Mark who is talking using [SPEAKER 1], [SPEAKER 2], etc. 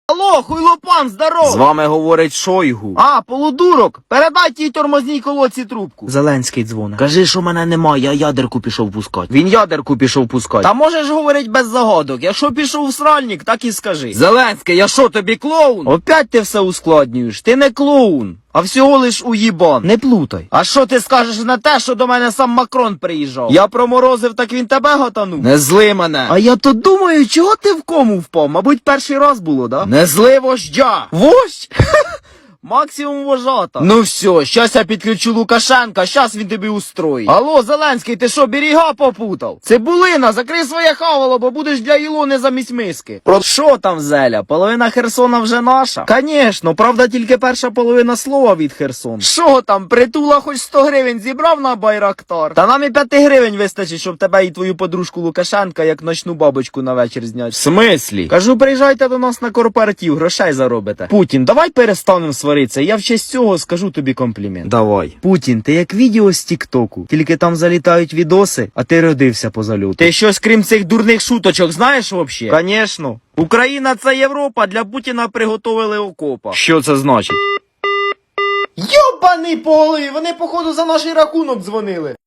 [SPEAKER 1] Алло, хуйлопан, здоров!
[SPEAKER 2] З вами говорить Шойгу.
[SPEAKER 1] А, полудурок, передай тій тормозній колодці трубку.
[SPEAKER 2] Зеленський дзвонить. Кажи, що мене немає, я ядерку пішов пускати.
[SPEAKER 1] Він ядерку пішов пускати. Та можеш говорить без загадок, якщо пішов в сральник, так і скажи.
[SPEAKER 2] Зеленський, я що, тобі клоун?
[SPEAKER 1] Опять ти все ускладнюєш, ти не клоун, а всього лиш уїбан.
[SPEAKER 2] Не плутай.
[SPEAKER 1] А що ти скажеш на те, що до мене сам Макрон приїжджав? Я проморозив, так він тебе готанув?
[SPEAKER 2] Не зли мене.
[SPEAKER 1] А я то думаю, чого ти в кому впав? Мабуть, перший раз було, да?
[SPEAKER 2] Не зли вождя.
[SPEAKER 1] Вождь? Максимум вожата. Ну все, щас я підключу Лукашенка, щас він тобі устроїть. Алло, Зеленський, ти що, берега попутав? Цибулина, закрий своє хавало, бо будеш для Ілони замість миски. Про що там, Зеля? Половина Херсона вже наша? Конечно, правда, тільки перша половина слова від Херсона. Що там, притула хоч 100 гривень зібрав на Байрактар? Та нам і 5 гривень вистачить, щоб тебе і твою подружку Лукашенка як ночну бабочку на вечір зняти.
[SPEAKER 2] В смислі?
[SPEAKER 1] Кажу, приїжджайте до нас на корпоратив, грошей заробите. Путін, давай перестанемо сваритися, я в честь цього скажу тобі комплімент.
[SPEAKER 2] Давай.
[SPEAKER 1] Путін, ти як відео з Тіктоку, тільки там залітають відоси, а ти родився по зальоту. Ти щось крім цих дурних шуточок знаєш вообще? Конечно. Україна це Європа, для Путіна приготовили окопа.
[SPEAKER 2] Що це значить?
[SPEAKER 1] Йобаний по голові, вони походу за наш рахунок дзвонили.